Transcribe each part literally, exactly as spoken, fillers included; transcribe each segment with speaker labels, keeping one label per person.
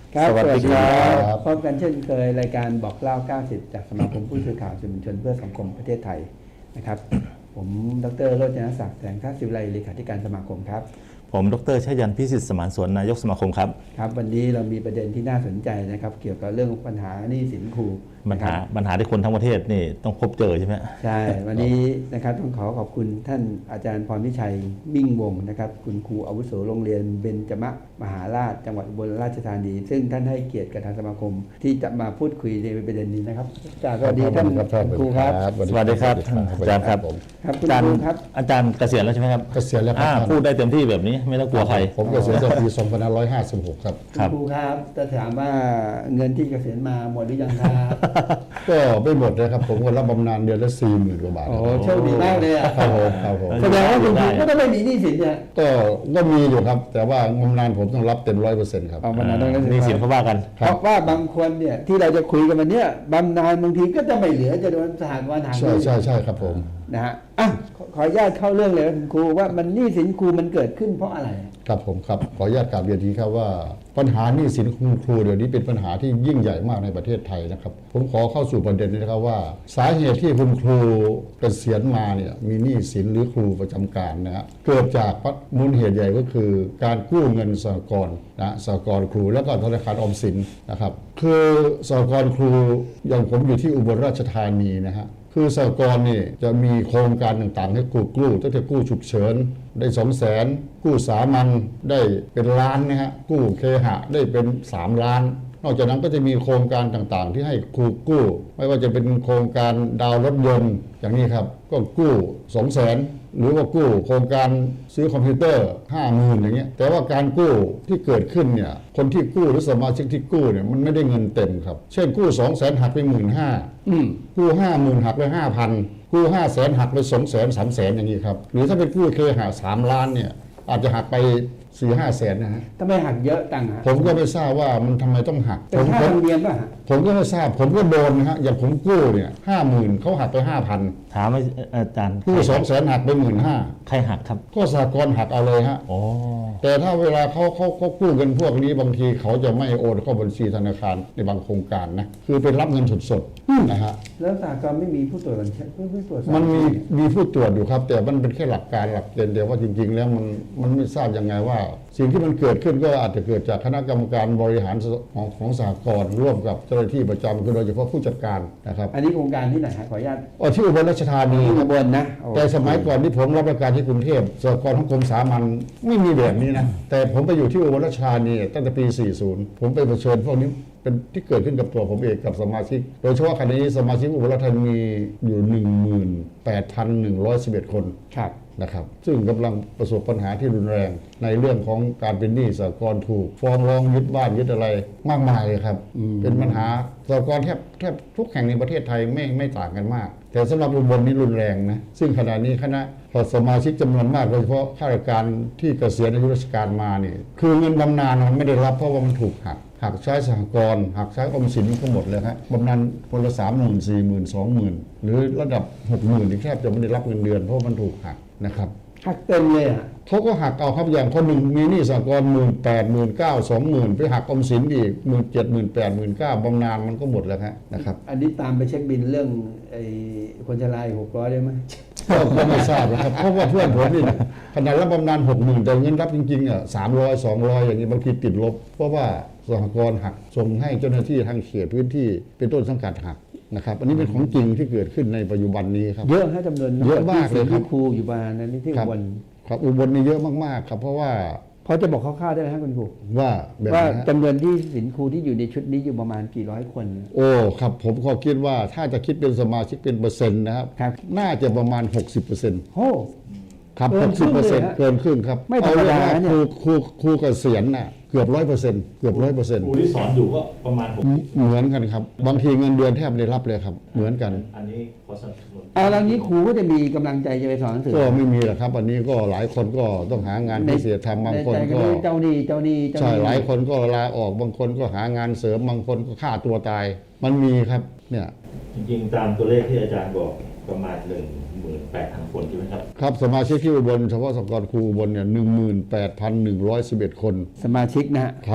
Speaker 1: ครับสวัสดีครับ
Speaker 2: พบกันเช่นเคยรายการบอกเล่าเก้าสิบจากสมาคมผู้สื่อข่าวสื่อมวลชนเพื่อสังคมประเทศไทยนะครับ ผมดร.โรจนศักดิ์แสงทัศน์ศิวไลเลขาธิการสมาคมครับ
Speaker 1: ผมดร.ชัยยันต์พิสิทธิ์สมานสวนนายกสมาคมครับ
Speaker 2: ครับวันนี้เรามีประเด็นที่น่าสนใจนะครับเกี่ยวกับเรื่องปัญหาหนี้สินครู
Speaker 1: ปัญหาปัญหาที่คนทั้งประเทศนี่ต้องพบเจอใช่ไหม
Speaker 2: ใช่วันนี้นะครับต้องขอขอบคุณท่านอาจารย์พรพิชัยมิ่งวงศ์นะครับคุณครูอาวุโสโรงเรียนเบญจมมหาราชจังหวัดอุบลราชธานีซึ่งท่านให้เกียรติกับทางสมาคมที่จะมาพูดคุยในประเด็นนี้นะครับจากสวัสดีท่านครูครับ
Speaker 1: สวัสดีครับท่านอาจารย์ครับ
Speaker 2: ครับคุณครูครับ
Speaker 1: อาจารย์เกษียณแล้วใช่ไหมครับ
Speaker 3: เกษียณแล้วครับ
Speaker 1: พูดได้เต็มที่แบบนี้ไม่ต้องกลัวใคร
Speaker 3: ผมเกษียณตั้งปีสองพันห้าร้อยห้าสิบหกครับ
Speaker 2: ครูครับจะถามว่าเงินที่เกษียณมาหมดหรือยังครับ
Speaker 3: ก็ไม่หมดนะครับผมก็รับบำนาญเดือนละสี่หมื่นกว่าบาท
Speaker 2: โอ้โชคดีมากเลยอ่ะ
Speaker 3: ครับผมครับผม
Speaker 2: แสดงว่าคุณครูก็ต้องไม่มีหนี้สินเนี่ย
Speaker 3: ก็ก็มีอยู่ครับแต่ว่าบำนาญผมต้องรับเต็มร้อยเปอร์เซ็นต์ครับ
Speaker 2: บำนาญต้องรับ
Speaker 1: หนี้สินเขาว่ากัน
Speaker 2: เพราะว่าบางคนเนี่ยที่เราจะคุยกันวันนี้บำนาญบางทีก็จะไม่เหลือจะโดนสหกรณ์หัก
Speaker 3: ใช่ใช่ใช่ครับผม
Speaker 2: นะฮะอ่ะขออนุญาตเข้าเรื่องเลยคุณครูว่ามันหนี้สินครูมันเกิดขึ้นเพราะอะไร
Speaker 3: ครับผมครับขออนุญาตกราบเรียนทีครับว่าปัญหาหนี้สินคุณครูเดี๋ยวนี้เป็นปัญหาที่ยิ่งใหญ่มากในประเทศไทยนะครับผมขอเข้าสู่ประเด็นนี้นะครับว่าสาเหตุที่คุณครูเกษียณมาเนี่ยมีหนี้สินหรือครูประจำการนะฮะเกิดจากมูลเหตุใหญ่ก็คือการกู้เงินสหกรณ์นะสหกรณ์ครูแล้วก็ธนาคารออมสินนะครับคือสหกรณ์ครูอย่างผมอยู่ที่อุบลราชธานีนะฮะคือสหกรณ์นี่จะมีโครงการต่างๆให้กู้กู้ตั้งแต่กู้ฉุกเฉินได้สองแสนกู้สามัญได้เป็นล้านนะฮะกู้เคหะได้เป็นสามล้านนอกจากนั้นก็จะมีโครงการต่างๆที่ให้ครูกู้ไม่ว่าจะเป็นโครงการดาวรถยนต์อย่างนี้ครับก็กู้สองแสนหรือว่ากู้โครงการซื้อคอมพิวเตอร์ห้าหมื่นอย่างเงี้ยแต่ว่าการกู้ที่เกิดขึ้นเนี่ยคนที่กู้หรือสมาชิกที่กู้เนี่ยมันไม่ได้เงินเต็มครับเช่นกู้สองแสนหักไปหมื่นห้ากู้ห้าหมื่นหักไปห้าพันกู้ห้าแสนหักไปสองแสนสามแสนอย่างนี้ครับหรือถ้าเป็นกู้เคหะสามล้านเนี่ยอาจจะหักไปสี่ห้าแสนนะฮะ
Speaker 2: ทำไมหักเยอะจังฮะ
Speaker 3: ผมก็ไม่ทราบว่ามันทำไมต้องหัก
Speaker 2: เป็นค่าธรรมเนียมป่ะ
Speaker 3: ผมก็ไม่ทราบผมก็โดนนะฮะอย่างผมกู้เนี่ยห้าหมื่นเขาหักไปห้าพัน
Speaker 1: ถามอาจารย์
Speaker 3: กู้สองแสนหักไปหมื่นห้า
Speaker 1: ใครหักครับ
Speaker 3: ก็สหกรณ์หักเอาเลยฮะแต่ถ้าเวลาเขาเขาเขากู้เงินพวกนี้บางทีเขาจะไม่โอนเข้าบัญชีธนาคารในบางโครงการนะคือเป็นรับเงินสดๆนะฮะ
Speaker 2: แล้วสหกรณ์ไม่มีผู้ตรวจบัญชีผู้ตรวจ
Speaker 3: มันมีมีผู้ตรวจอยู่ครับแต่มันเป็นแค่หลักการหลักเกณฑ์เดียวว่าจริงๆแล้วมันมันไม่ทราบยังไงว่าสิ่งที่มันเกิดขึ้นก็อาจจะเกิดจากคณะกรรมการบริหารของของสหกรณ์ร่วมกับเจ้าหน้าที่ประจำคือโดยเฉพาะผู้จัดการนะครับ
Speaker 2: อันนี้โครงการที่ไหนขออนุญาต
Speaker 3: อ๋อที่อุบลราชธานี
Speaker 2: อุบลนะ
Speaker 3: แต่สมัยก่อนที่ผมรับราชการที่กรุงเทพสหกรณ์ของกรมสามัญไม่มีแบบนี้นะแต่ผมไปอยู่ที่อุบลราชธานีตั้งแต่ปีสี่สิบผมไปเผชิญพวกนี้เป็นที่เกิดขึ้นกับตัวผมเองกับสมาชิกโดยเฉพาะขณะนี้สมาชิกอุบลราชธานีอยู่ หนึ่งหมื่นแปดพันหนึ่งร้อยสิบเอ็ด คนนะครับซึ่งกำลังประสบปัญหาที่รุนแรงในเรื่องของการเป็นหนี้สหกรณ์ถูกฟ้องร้องยึดบ้านยึดอะไรมากมายเลยครับเป็นปัญหาสหกรณ์แทบแทบทุกแห่งในประเทศไทยไม่ไม่ต่างกันมากแต่สำหรับอุบลนี่รุนแรงนะซึ่งขณะนี้คณะสมาชิกจำนวนมากโดยเฉพาะข้าราชการที่เกษียณอายุราชการมานี่คือเงินบำนาญมันไม่ได้รับเพราะว่ามันถูกหักหักใช้สหกรณ์หักใช้ออมสินก็หมดเลยครับบำนาญคนละสามหมื่นสี่หมื่นสองหมื่นหรือระดับหกหมื่นที่แทบจะไม่ได้รับเงินเดือนเพราะมันถูกหักนะครับ
Speaker 2: หักเต็มเลยอ่ะ
Speaker 3: เขาก็หักเอาครับอย่างคนหนึ่งมีหนี้สหกรณ์หมื่นแปดหมื่นเก้าสองหมื่นไปหักออมสินอีกหมื่นเจ็ดหมื่นแปดหมื่นเก้าบำนาญมันก็หมดแล้วนะครับ
Speaker 2: อันนี้ตามไปเช็คบินเรื่องไอ้คนชราหกร้อยได้ไหม
Speaker 3: ก็ไม่ทราบนะครับเพราะว่าเพื่อนผมนี่ขนาดรับบำนาญหกหมื่นแต่เงินรับจริงๆอ่ะสามร้อยสองร้อยอย่างนี้บางทีติดลบเพราะว่าสหกรณ์หักส่งให้เจ้าหน้าที่ทางเขตพื้นที่เป็นต้นสังกัดหักนะครับอันนี้เป็นของจริงที่เกิดขึ้นในปัจจุบันนี้ครับ
Speaker 2: เยอะฮะจำนวน
Speaker 3: เยอะมากเลยครับ
Speaker 2: ครูอยู่บ้านนั้นที่อุบล
Speaker 3: ครับอุบลนี่เยอะมากๆครับเพราะว่า
Speaker 2: พอจะบอกคร่าวๆได้ไหมครับคุณครู
Speaker 3: ว่า
Speaker 2: ว่าจำนวนที่สินครูที่อยู่ในชุดนี้อยู่ประมาณกี่ร้อยคน
Speaker 3: โอ้ครับผมก็คิดว่าถ้าจะคิดเป็นสมาชิกเป็นเปอร์เซ็นต์นะครับน่าจะประมาณ หกสิบเปอร์เซ็นต์
Speaker 2: โอ้
Speaker 3: ครับหกสิบเปอร์เซ็นต์เกินครึ่งครับ
Speaker 2: ไม่ธรรมดา
Speaker 3: เนี่ยครูครูครูเกษียณน่ะเกือบร้อยเปอร์เซ็นต์เกือบร้อยเปอร์เซ็นต์
Speaker 1: ครูที่สอนอยู่ก็ประมาณ
Speaker 3: เหมือนกันครับบางทีเงินเดือนแทบไม่ได้รับเลยครับเหมือนกัน
Speaker 1: อันนี้ขอสนับสนุน
Speaker 2: เอาแล้วนี้ครูก็จะมีกำลังใจจะไปสอนหนังสือ
Speaker 3: ก็ไม่มีหรอกครับอันนี้ก็หลายคนก็ต้องหางานพิเศษทำบางคนก็
Speaker 2: เจ้าหนี้เจ้าหนี้
Speaker 3: ใช่หลายคนก็ลาออกบางคนก็หางานเสริมบางคนก็ฆ่าตัวตายมันมีครับเนี่ย
Speaker 1: จริงๆตามตัวเลขที่อาจารย์บอกประมาณหนึ่งหมื่นแปดพันคนใช่ไหมครับ
Speaker 3: ครับสมาชิกที่อุบลเฉพาะสหกรณ์ครูอุบลเนี่ยหนึ่งหมื่นแปดพันหนึ่งร้อยสิบเอ็ดคน
Speaker 2: สมาชิกนะครับ
Speaker 3: ค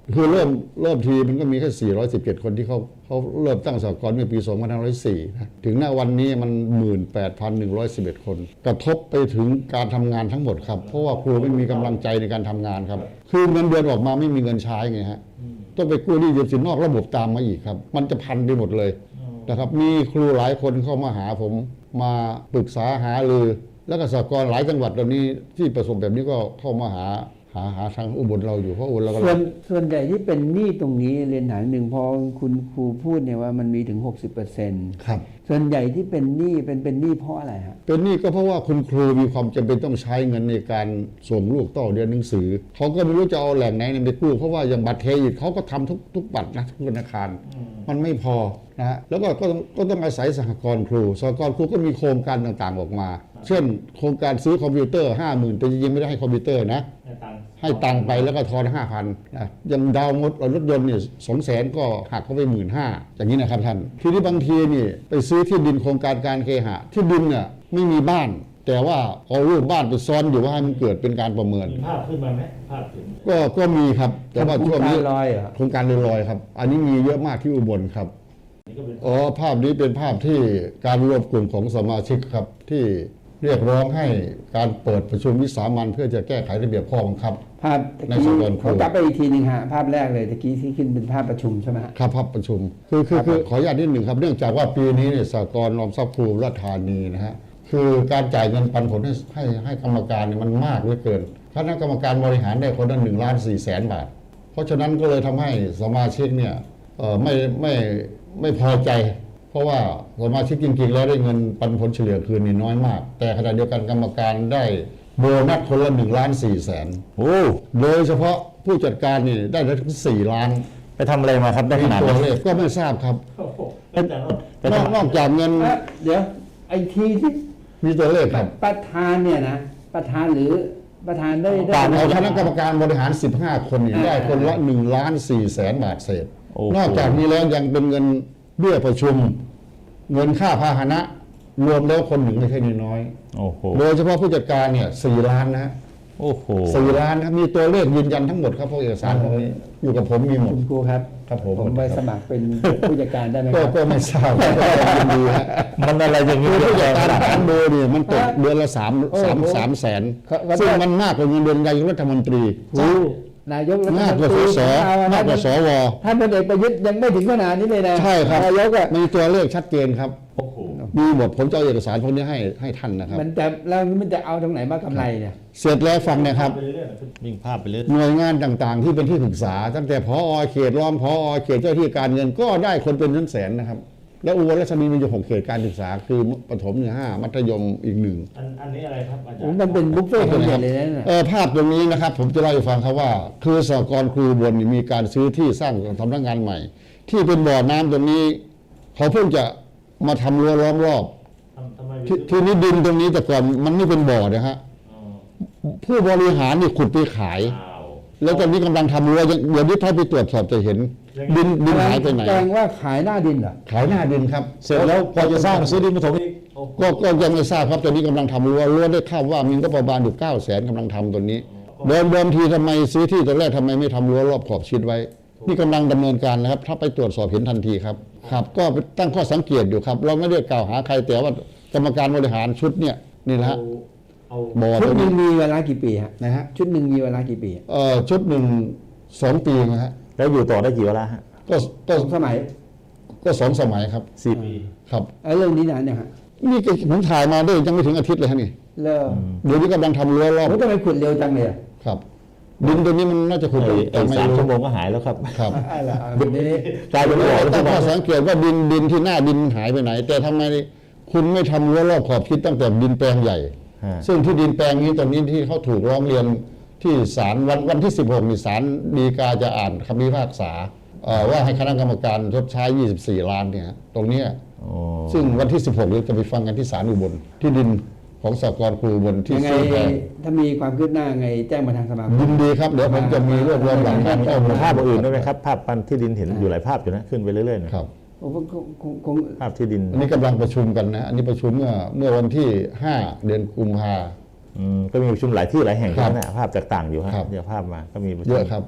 Speaker 3: คือเริ่มเริ่มทีมันก็มีแค่สี่ร้อยสิบเจ็ดคนที่เขาเขาเริ่มตั้งสหกรณ์เมื่อปีสองพันห้าร้อยสี่นะถึงณวันนี้มัน หนึ่งหมื่นแปดพันหนึ่งร้อยสิบเอ็ด คนกระทบไปถึงการทำงานทั้งหมดครับเพราะว่าครูไม่มีกำลังใจในการทำงานครับคือเงินเดือนออกมาไม่มีเงินใช้ไงฮะต้องไปกู้หนี้ยืมสินนอกระบบตามมาอีกครับมันจะพันไปหมดเลยนะครับมีครูหลายคนเข้ามาหาผมมาปรึกษาหารือแล้วก็สหกรณ์หลายจังหวัดตอนนี้ที่ประสบแบบนี้ก็เข้ามาหาหาหาทางอุบลเราอยู่เพราะอุบลเราก็
Speaker 2: ส่วนส่วนใหญ่ที่เป็นหนี้ตรงนี้เรียนถามหนึ่งพอคุณครูพูดเนี่ยว่ามันมีถึง หกสิบเปอร์เซ็นต์
Speaker 3: ครับ
Speaker 2: ส่วนใหญ่ที่เป็นหนี้เป็นเป็นหนี้เพราะอะไรฮะ
Speaker 3: เป็นหนี้ก็เพราะว่าคุณครูมีความจำเป็นต้องใช้เงินในการส่งลูกต่อเรียนหนังสือเขาก็ไม่รู้จะเอาแหล่งไหนไปกู้เพราะว่าอย่างบัตรเครดิตเขาก็ทำทุกทุกบัตรนะทุกธนาคารมันไม่พอนะฮะแล้วก็ก็ต้องก็ต้องอาศัยสหกรณ์ครูสหกรณ์ครูก็มีโครงการต่างๆออกมา เช่น โครงการซื้อคอมพิวเตอร์ห้าหมื่นแต่จริงๆไม่ได้ให้คอมพิวเตอร์นะให้ตังค์ไปแล้วก็ทอนห้าพันนะยังดาวน์รถยนต์เนี่ยสองแสนก็หักเข้าไปหมื่นห้าอย่างนี้นะครับท่านทีนี้บางทีนี่ไปซื้อที่ดินโครงการการเคหะที่ดินเนี่ยไม่มีบ้าน แต่ว่าเอารูปบ้านไปซ้อนอยู่ว่าให้มันเกิดเป็นการประเมิน
Speaker 1: มีภาพขึ้นมาไหมภาพถึง
Speaker 3: ก็ก็มีครับแต่ว่าช่วงนี้
Speaker 2: โครงการลอยเหรอ
Speaker 3: โครงการลอยๆครับ อันนี้มีเยอะมากที่อุบลครับ
Speaker 1: นี่ก็เป็น
Speaker 3: อ๋อภาพนี้เป็นภาพที่การรวมกลุ่มของสมาชิกครับที่เรียกร้องให้การเปิดประชุมวิสามัญเพื่อจะแก้ไขระเบียบข้อบังคับ
Speaker 2: ภาพตะ
Speaker 3: ใน
Speaker 2: กี้
Speaker 3: สำนวนครู
Speaker 2: เขากลับไปอีกทีหนึ่งฮะภาพแรกเลยตะกี้ที่ขึ้นเป็นภาพประชุมใช่ไหมฮะ
Speaker 3: ครับภาพประชุมคือคือคือขออนุญาตนิดหนึ่งครับเนื่องจากว่าปีนี้เนี่ยสหกรณ์ออมทรัพย์ครูราชธานีนะฮะคือการจ่ายเงินปันผลให้ให้ให้กรรมการเนี่ยมันมากเหลือเกินคณะกรรมการบริหารได้คนละหนึ่งล้านสี่แสนบาทเพราะฉะนั้นก็เลยทำให้สมาชิกเนี่ยเอ่อไม่ไม่ไม่พอใจ เพราะว่าสมาชิกจริงๆแล้วได้เงินปันผลเฉลี่ยคืนนี่น้อยมาก แต่ขณะเดียวกันกรรมการได้โบนัสคนละหนึ่งล้านสี่แสน
Speaker 4: โอ้
Speaker 3: โดยเฉพาะผู้จัดการนี่ได้ถึงสี่ล้าน
Speaker 4: ไปทำอะไรมาครับได้ข
Speaker 3: มี
Speaker 4: นาด
Speaker 3: ตัว
Speaker 4: นั้น
Speaker 3: เลขก็ไม่ทราบครับ
Speaker 1: โอ้โหเป็นแต่ละ
Speaker 3: นอกนอกจากเงิน
Speaker 2: เอ๊ะเดี๋ยวไอทีที่
Speaker 3: มีตัวเลขครับ
Speaker 2: ประธานเนี่ยนะประธานหรือประธานได้ได้
Speaker 3: การเอาคณะกรรมการบริหารสิบห้าคนนี่ได้คนละหนึ่งล้านสี่แสนบาทเศษ
Speaker 4: โอ้โห
Speaker 3: นอกจากนี้แล้วยังเป็นเงินเบี้ยประชุม เงินค่าพาหนะ รวมแล้วคนหนึ่งไม่ใช่น้อย
Speaker 4: โอ้โห
Speaker 3: โดยเฉพาะผู้จัดการเนี่ยสี่ล้านนะฮะ
Speaker 4: โอ้โห
Speaker 3: สี่ล้านครับมีตัวเลขยืนยันทั้งหมดครับพวกเอกสารพวกนี้อยู่กับผมมีหมด
Speaker 2: คุณครูครับ
Speaker 3: ครับผม
Speaker 2: ผมไปสมัครเป็นผู้จัดการได้ไหมค
Speaker 3: ก็
Speaker 2: รับ
Speaker 3: ก็ไม่ทราบก็ยินดีฮะ
Speaker 4: มันอะไรอย่างนี้
Speaker 3: คือผู้
Speaker 4: เย
Speaker 3: จัด
Speaker 4: อะ
Speaker 3: การ
Speaker 4: ขนาด
Speaker 3: ฐา
Speaker 4: นั้น น
Speaker 3: โดเนี่ยมันตกเดือนละสาม
Speaker 2: โอ้โห
Speaker 3: สามสามแสน
Speaker 2: เขาเขา
Speaker 3: ซึ่งมันมากกว่าเงินเดือนนายกรัฐมนตรี
Speaker 2: โอ้นายกรัฐม
Speaker 3: มาก
Speaker 2: น
Speaker 3: กว่า
Speaker 2: ต
Speaker 3: ส
Speaker 2: รี
Speaker 3: ส
Speaker 2: เอ
Speaker 3: มากกว่าสว
Speaker 2: ท่านพลเอกประยุทธ์ยังไม่ถึงขนาดนี้เลยนะ
Speaker 3: ใช่ครับ
Speaker 2: นายกอะ
Speaker 3: มีตัวเลขชัดเจนครับ
Speaker 1: โอ้โห
Speaker 3: มีหมดผมจะเอาเอกสารพวกนี้ให้ให้ท่านนะครับ
Speaker 2: มันจะแล้วมันจะเอาตรงไหนมากำไรเนี่ย
Speaker 3: เสร็จแล้วฟังนะครับ
Speaker 1: ไปเรื่อยๆนะ
Speaker 4: วิ่งภาพไปเรื่อย
Speaker 3: หน่วยงานต่างๆ ที่เป็นที่ปรึกษา ตั้งแต่พอเขตรองพอเขตเจ้าที่การเงินก็ได้คนเป็นแสนๆนะครับ แล้วอุบลราชธานีมีอยู่หกเขตการศึกษา คือประถมเนี่ยห้ามัธยมอีกหนึ่ง
Speaker 1: อันอันนี้อะไรครับอาจาร
Speaker 2: โอ้
Speaker 1: ย์
Speaker 2: มันเป็นบุฟเฟ่ต์คนเดียวเลยนะ
Speaker 3: เออภาพตรงนี้นะครับ ผมจะเล่าให้ฟังครับว่า คือสหกรณ์ครูอุบลนี่มีการซื้อที่สร้างสำนักงานใหม่ ที่เป็นบ่อน้ำตรงนี้ เขาเพิ่งจะมาทำรั้วล้อมรอบ
Speaker 1: ทำทำไม
Speaker 3: ที่ที่นี้ดินตรงนี้แต่ก่อนมันไม่เป็นบ่อนะฮะ
Speaker 1: อ๋อ
Speaker 3: ผู้บริหารนี่ขุดไปขาย
Speaker 1: อ้าว
Speaker 3: แล้วตอนนี้กำลังทำรั้วยังเดี๋ยวนี้ถ้าไปตรวจสอบจะเห็น ดินดินหายไปไหน
Speaker 2: แปลงว่าขายหน้าดินเหรอ
Speaker 3: ขายหน้าดินครับ
Speaker 4: เสร็จแล้วพอจะสร้างซื้อดินมาถมอีก
Speaker 1: โอ้โห
Speaker 3: ก็ก็ยังไม่ทราบครับตอนนี้กำลังทำรั้วรั้วได้ข่าวว่ามีก็ประมาณอยู่เก้าแสนกำลังทำตัวนี้เดิมเดิมทีทำไมซื้อที่ตอนแรกทำไมไม่ทำรั้วรอบขอบชิดไว้ นี่กำลังดำเนินการนะครับ ถ้าไปตรวจสอบเห็นทันทีครับครับ ก็ตั้งข้อสังเกตอยู่ครับ เราไม่ได้กล่าวหาใครแต่ว่ากรรมการบริหารชุดเนี่ยนี่นะ
Speaker 1: เอา
Speaker 3: ฮะ
Speaker 1: เอา
Speaker 3: บ่อ
Speaker 2: ชุ
Speaker 3: ตั
Speaker 2: ด
Speaker 3: ว
Speaker 2: หนึ่
Speaker 3: นี้
Speaker 2: งมีเวลากี่ปีฮะ
Speaker 3: นะฮะ
Speaker 2: ชุดหนึ่งมีเวลากี่ปีอะ
Speaker 3: เอ่อชุดหนึ่งสองปีนะฮะ
Speaker 4: แล้วอยู่ต่อได้กี่เวลาฮะ
Speaker 3: ก็ก็
Speaker 2: สองสมัย
Speaker 3: ก็สองสมัยครับ
Speaker 4: สี่
Speaker 1: ปี
Speaker 3: ครับ
Speaker 2: ไอ้เรื่องนี้นานเนี่ยฮะ
Speaker 3: นี่ก็ผมถ่ายมาได้ยังไม่ถึงอาทิตย์เลยฮะนี่
Speaker 2: เลิก
Speaker 3: เดี๋ยวนี้กำลังทำรั้วรอบ
Speaker 2: โอ้ทำไมขุดเร็วจังเลยอะ
Speaker 3: ครับ ดินตัวนี้มันน่าจะขุด
Speaker 4: ไอ้
Speaker 3: แต่
Speaker 4: ไอ้
Speaker 3: ไม่
Speaker 4: สาม
Speaker 3: รู้
Speaker 4: ชั่วโมงก็หายแล้วครับ
Speaker 3: ครับ
Speaker 2: อะไรอ่ะแบบนี้
Speaker 4: กลายเป็นบ่อแล้ว
Speaker 3: ตั้
Speaker 4: ทุ
Speaker 3: ง
Speaker 4: ก
Speaker 3: ข้
Speaker 4: วั
Speaker 3: อน สังเกตว่าดินดินที่หน้าดินหายไปไหน แต่ทำไมคุณไม่ทำรั้วรอบขอบชิดตั้งแต่ดินแปลงใหญ่
Speaker 4: ฮะ
Speaker 3: ซึ่งที่ดินแปลงนี้ตอนนี้ที่เขาถูกร้องเรียนที่ศาลวันวันที่สิบหกมีศาลฎีกาจะอ่านคำพิพากษาเอ่อว่าให้คณะกรรมการชดใช้ยี่สิบสี่ล้านเนี่ยตรงเนี้ย
Speaker 4: โอ้
Speaker 3: ซึ่งวันที่สิบหกเราจะไปฟังกันที่ศาลอุบลที่ดินของสหกรณ์ครูอุบลที่
Speaker 2: ยังไง
Speaker 3: ซื้อแพง
Speaker 2: ถ้ามีความคืบหน้าไงแจ้งมาทางสมาค
Speaker 3: ยิ
Speaker 2: ม
Speaker 3: นดีครับเดี๋ยวผมจะมีรวบรวมหลักฐานข้อมูล
Speaker 4: ภาพอื่นด้วยไหมครับ ภาพปันที่ดินเห็นอยู่หลายภาพอยู่นะขึ้นไปเรื่อยๆนะครับ
Speaker 2: โอ้คงคงคงคง
Speaker 4: ภาพที่ดิน
Speaker 3: อันนี้กำลังประชุมกันนะ อันนี้ประชุมเมื่อเมื่อวันที่ห้าเดือนกุมภา
Speaker 4: อืมก็มีประชุมหลายที่หลายแห่ง
Speaker 3: ครับ
Speaker 4: นะภาพจากต่างอยู่ฮะ
Speaker 3: ครับ
Speaker 4: เดี๋ยวภาพมาก็มีประชุม
Speaker 3: เยอะครับ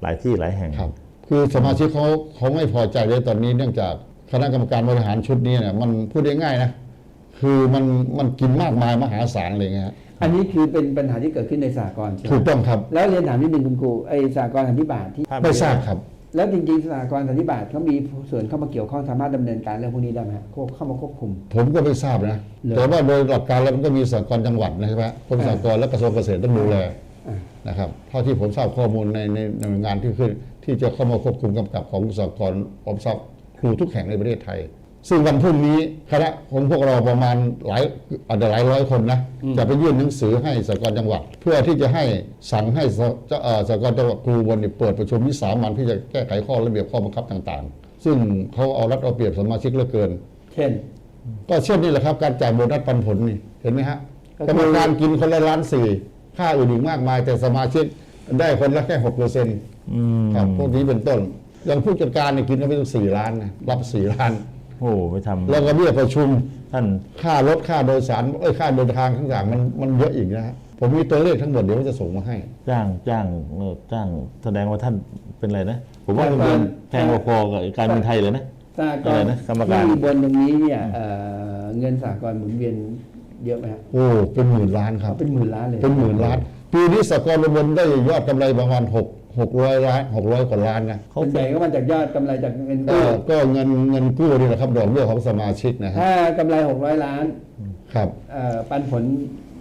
Speaker 4: หลายที่หลายแห่ง
Speaker 3: ครับคือสมาชิกเขาเขาไม่พอใจเลยตอนนี้เนื่องจากคณะกรรมการบริหารชุดนี้เนี่ยมันพูดได้ง่ายนะคือมันมันกินมากมายมหาศาลเลยไงฮะ
Speaker 2: อันนี้คือเป็นปัญหาที่เกิดขึ้นในสหกรณ์ใช่ไหม
Speaker 3: ถูกต้องครับ
Speaker 2: แล้วเรียนถามนิดนึงคุณครูไอสหกรณ์สันนิบาตที่
Speaker 4: ภาพ
Speaker 3: ไม่ทราบครับ
Speaker 2: แล้วจริงๆสหกรณ์สันนิบาตเขามีส่วนเข้ามาเกี่ยวข้องสามารถดำเนินการเรื่องพวกนี้ได้ไหมฮะเข้ามาควบคุม
Speaker 3: ผมก็ไม่ทราบนะ
Speaker 2: เหรอ
Speaker 3: แต่ว่าโดยหลักการแล้วมันก็มีสหกรณ์จังหวัดนะใช่ไหมกรมสหกรณ์และกระทรวงเกษตรต้องดูแล
Speaker 2: อ่า
Speaker 3: นะครับเท่าที่ผมทราบข้อมูลในในในหน่วยงานที่ขึ้นที่จะเข้ามาควบคุมกำกับของสหกรณ์ออมทรัพย์ครูทุกแห่งในประเทศไทย ซึ่งวันพรุ่งนี้คณะของพวกเราประมาณหลายอาจจะหลายร้อยคนนะจะไปยื่นหนังสือให้สหกรณ์จังหวัด เพื่อที่จะให้สั่งให้สหเอ่อสหกรณ์จังหวัดครูบนเนี่ยเปิดประชุมวิสามัญที่จะแก้ไขข้อระเบียบข้อบังคับต่างๆ ซึ่งเขาเอารัดเอาเปรียบสมาชิกเหลือเกิน
Speaker 2: เช่น
Speaker 3: ก็เช่นนี่แหละครับการจ่ายโบนัสปันผลนี่เห็นไหมฮะ
Speaker 2: ก็คือ
Speaker 3: กรรมการกินคนละล้านสี่ค่าอื่นอีกมากมาย แต่สมาชิกได้คนละแค่หกเปอร์เซ็นต์
Speaker 4: อืม
Speaker 3: ครับพวกนี้เป็นต้นอย่างผู้จัดการเนี่ยกินก็ไม่ต้องสี่ล้านนะรับสี่ล้าน
Speaker 4: โอ้ไปทำ
Speaker 3: แล้วก็เบี้ยประชุม
Speaker 4: ท่าน
Speaker 3: ค่ารถค่าโดยสารเอ้ยค่าเดินทางต่างๆมันมันเยอะอีกนะฮะผมมีตัวเลขทั้งหมดเดี๋ยวจะส่งมาให้
Speaker 4: จ้างจ้างเอ่อจ้างแสดงว่าท่านเป็นอะไรนะ ผมว่า
Speaker 2: จ้าง
Speaker 4: เงิน
Speaker 2: การ
Speaker 4: แพงพอๆกับการบินไทยเลยนะ
Speaker 2: สหก
Speaker 4: อะไร
Speaker 2: รณ์
Speaker 4: นะกรรมการ
Speaker 2: ที่บนตรงนี้เนี่ยเอ่อเงินสหกรณ์หมุนเวียนเยอะไหมฮะ
Speaker 3: โอ้เป็นหมื่นล้านครับ
Speaker 2: เป็นหมื่นล้านเลย
Speaker 3: เป็นหมื่นล้านปีนี้สหกรณ์บนได้ยอดกำไรประมาณหกหกร้อยล้านหกร้อยกว่าล้านนะ
Speaker 2: ส่วนใหญ่ก็มาจากยอดกำไรจากเงิน
Speaker 3: ก็
Speaker 2: กู้
Speaker 3: ก็เงินเงินกู้นี่แหละครับดอกเบี้ยของสมาชิกนะฮะ
Speaker 2: ถ้ากำไรหกร้อยล้าน
Speaker 3: ครับ
Speaker 2: เอ่อปันผล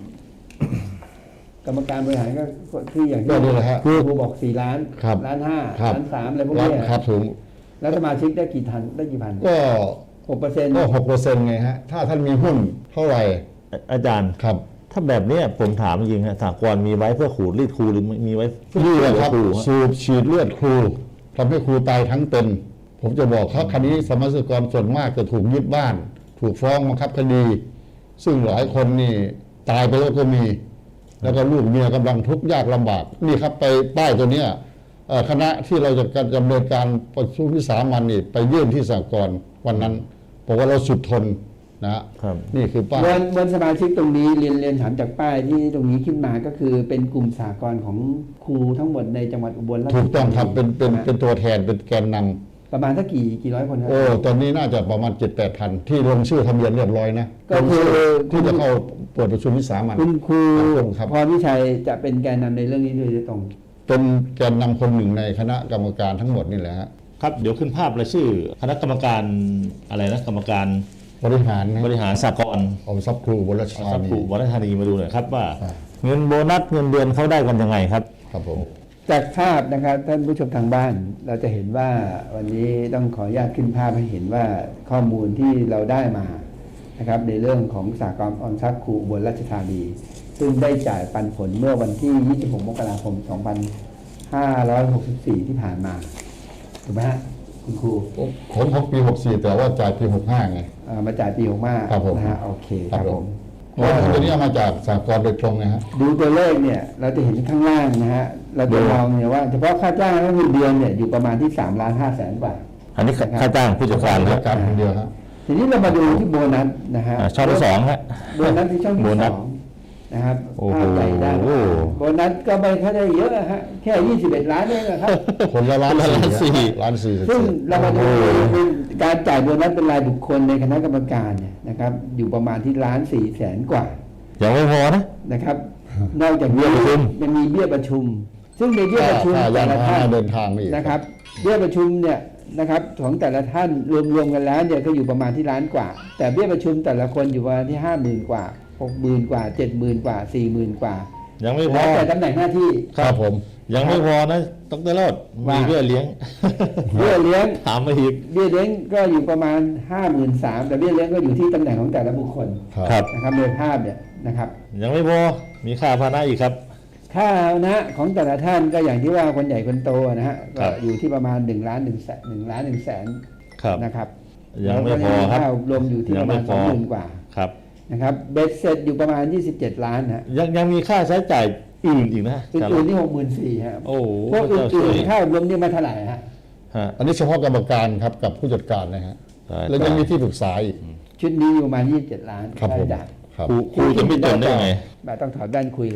Speaker 2: กรรมการบริหารก็ที่อย่าง
Speaker 3: ก็
Speaker 2: ที่
Speaker 3: นี่แหละฮะ
Speaker 2: ครูบอกสี่ล้าน
Speaker 3: ครับ
Speaker 2: ล้านห้า
Speaker 3: ครับ
Speaker 2: ล้านสามอะไรพวก
Speaker 3: ล้าน
Speaker 2: เนี้ย
Speaker 3: ครับถึง
Speaker 2: แล้วสมาชิกได้กี่ทันได้กี่พัน
Speaker 3: ก็
Speaker 2: หกเปอร์เซ็นต์
Speaker 3: ก็หกเปอร์เซ็นต์ไงฮะถ้าท่านมีหุ้นเท่าไหร่
Speaker 4: อาอาจารย์
Speaker 3: ครับ
Speaker 4: ถ้าแบบเนี้ยผมถามจริงๆฮะสากลมีไว้เพื่อขูดรีดครูหรือมีไว้เพื่อ
Speaker 3: นี่แหละครับ
Speaker 4: ครูฮะ
Speaker 3: สูบฉีดเลือดครูทำให้ครูตายทั้งเป็น ผมจะบอกครับคดีสมาชิกรส่วนมากจะถูกยึดบ้าน ถูกฟ้องบังคับคดี ซึ่งหลายคนนี่ตายไปแล้วก็มี แล้วก็ลูกเมียกำลังทุกข์ยากลำบาก นี่ครับไปป้ายตัวเนี้ยเอ่อคณะที่เราจะดำเนินการประชุมวิสามัญนี่ไปยื่นที่สหกรณ์วันนั้นบอกว่าเราสุดทนนะฮะ
Speaker 4: ครับ
Speaker 3: นี่คือป้าย
Speaker 2: วันวันสมาชิกตรงนี้เรียนเรียนถามจากป้ายที่ตรงนี้ขึ้นมาก็คือเป็นกลุ่มสหกรณ์ของครูทั้งหมดในจังหวัดอุบลราชธานี
Speaker 3: ถูกต้องครับเป็นเป็น
Speaker 2: ใช่ไหม
Speaker 3: เป็นตัวแทนเป็นแกนนำ
Speaker 2: ประมาณสักกี่กี่ร้อยคนครั
Speaker 3: โอ้ตอนนี้น่าจะประมาณเจ็ดแปดพันที่ลงชื่อทะเบียนเรียบร้อยนะ
Speaker 2: ก็คือ
Speaker 3: ลงชื่ที่จะเข้าเปิดประชุมวิสามัญ
Speaker 2: คุณครู
Speaker 3: ครับ
Speaker 2: พรวิชัยจะเป็นแกนนำในเรื่องนี้โดยตรง
Speaker 3: เป็นแกนนำคนหนึ่งในคณะกรรมการทั้งหมดนี่แหละฮะ
Speaker 4: ครับเดี๋ยวขึ้นภาพรายชื่อคณะกรรมการอะไรนะกรรมการ
Speaker 3: บริหารนะ
Speaker 4: บริหารสากล
Speaker 3: ออมทรัพย์ครูบนราช
Speaker 4: ท
Speaker 3: ธา
Speaker 4: รัพย์
Speaker 3: นี
Speaker 4: ครูวัฒนธานีมาดูหน่อยครับว่า
Speaker 3: อ่า
Speaker 4: เงินโบนัสเงินเดือนเขาได้กันยังไงครับ
Speaker 3: ครับผม
Speaker 2: จากภาพนะครับท่านผู้ชมทางบ้าน เราจะเห็นว่าวันนี้ต้องขออนุญาตขึ้นภาพให้เห็นว่าข้อมูลที่เราได้มานะครับในเรื่องของสหกรณ์ออมทรัพย์ครูอุบลราชธานีซึ่งได้จ่ายปันผลเมื่อวันที่ ยี่สิบหก มกราคม สองพันห้าร้อยหกสิบสี่ ที่ผ่านมาถูกไหมฮะคุณครู
Speaker 3: ผมของปีหกสี่แต่ว่าจ่ายปีหกห้าไง
Speaker 2: เอ่อมาจ่ายปีหกห้า
Speaker 3: ครับผม
Speaker 2: นะฮะโอเคค
Speaker 3: ครั
Speaker 2: รับบ
Speaker 3: ผ
Speaker 2: ผม ม
Speaker 3: เพราะว่าตัวนี้เอามาจากสากลโดยตรงนะฮะ
Speaker 2: ดูตัวเลขเนี่ยเราจะเห็นข้างล่างนะฮะเราจะมองเนี่ยว่าเฉพาะค่าจ้างและเงินเดือนเนี่ยอยู่ประมาณที่สามล้านห้าแสนบาท
Speaker 4: อันนี้ค่าจ้างผู้จัดการ
Speaker 3: รา
Speaker 4: ค
Speaker 3: ช
Speaker 4: รับ
Speaker 3: การคนเดียวฮะ
Speaker 2: ทีนี้เรามาดูที่โบนัสนะฮะ
Speaker 4: อ่าช่องที่สองฮะ
Speaker 2: โบนัสที่ช่องที่
Speaker 4: โบนั
Speaker 2: ส
Speaker 4: ส
Speaker 2: องนะครับ
Speaker 4: โอ้โห
Speaker 2: ภาพใหญ่ด้านโบนัสก็ไม่ค่อยได้เยอะฮะแค่ยี่สิบเอ็ดล้านเองนะครับ
Speaker 3: คนละล้าน
Speaker 4: คนละล้านสี่
Speaker 3: สี่ล้านสี่
Speaker 2: ซึ่งเรามาดู
Speaker 4: โอ้โห
Speaker 2: การจ่ายโบนัสเป็นรายบุคคลในคณะกรรมการเนี่ยนะครับอยู่ประมาณที่ล้านสี่แสนกว่า
Speaker 4: ยังไม่พอนะ
Speaker 2: นะครับ นอกจาก
Speaker 4: เบี้
Speaker 2: นี้
Speaker 4: ยประชุม
Speaker 2: ยังมีเบี้ยประชุม ซึ่งในเบี้ยประชุม
Speaker 3: ค่า
Speaker 2: แต่
Speaker 3: ยาน
Speaker 2: ละ
Speaker 3: พาห
Speaker 2: ท่าน
Speaker 3: นะเดินทางนี่
Speaker 2: นะครับเบี้ยประชุมเนี่ยนะครับของแต่ละท่านรวมๆกันแล้วเนี่ยก็อยู่ประมาณที่ล้านกว่า แต่เบี้ยประชุมแต่ละคนอยู่ประมาณที่ห้าหมื่นกว่าหกหมื่นกว่าเจ็ดหมื่นกว่าสี่หมื่นกว่า
Speaker 4: ยังไม่พ
Speaker 2: แล้
Speaker 4: อ
Speaker 2: วแต่ตำแหน่งหน้าที่
Speaker 3: ครับผม
Speaker 4: ยังไม่พอนะดรโรด
Speaker 2: ว่ามี
Speaker 4: มีเบี้ยเลี้ยง
Speaker 2: เบี้ยเลี้ยง
Speaker 4: ถามมาอีก
Speaker 2: เบี้ยเลี้ยงก็อยู่ประมาณห้าหมื่นสามแต่เบี้ยเลี้ยงก็อยู่ที่ตำแหน่งของแต่ละบุคคล
Speaker 4: ครับ
Speaker 2: นะครับในภาพเนี่ยนะครับ
Speaker 4: ยังไม่พอมีค่าพาหนะอีกครับ
Speaker 2: ค่านะของแต่ละท่านก็อย่างที่ว่าคนใหญ่คนโตนะฮะ
Speaker 4: ครั
Speaker 2: ก็
Speaker 4: บ
Speaker 2: อยู่ที่ประมาณหนึ่งล้านหนึ่งแสนหนึ่งล้านหนึ่งแสน
Speaker 4: ครับ
Speaker 2: นะครับ
Speaker 4: ยังไม่พอครับ
Speaker 2: แล้วก็รวมอยู่ที่ประมาณ
Speaker 4: ยังไม่พ
Speaker 2: ส
Speaker 4: อ
Speaker 2: องหมื่นกว่า
Speaker 4: ครับ
Speaker 2: นะครับเบ็ดเสร็จอยู่ประมาณยี่สิบเจ็ดล้านนะฮะ
Speaker 4: ยังยังมีค่าใช้จ่ายอื่นอีกนะ
Speaker 2: อื่นๆที่หกหมื่นสี่ฮะ
Speaker 4: โอ้โห
Speaker 2: พวก
Speaker 4: พระเจ้าช่
Speaker 2: อื่
Speaker 4: วน ย
Speaker 2: ๆค่ารวมนี่มาเท่าไหร่ฮะ
Speaker 4: ฮะ
Speaker 3: อันนี้เฉพาะกรรมการครับกับผู้จัดการนะฮะ
Speaker 4: ตาย
Speaker 3: แล้วยังมีที่ปรึกษาอีก
Speaker 2: ชุดนี้อยู่ประมาณยี่สิบเจ็ดล้าน
Speaker 3: ครับผม
Speaker 2: ได้
Speaker 3: ครับ
Speaker 4: ครูครูจะไม่จนได้ยังไง
Speaker 2: แบบต้องถอดแว่นคุยเลยฮะ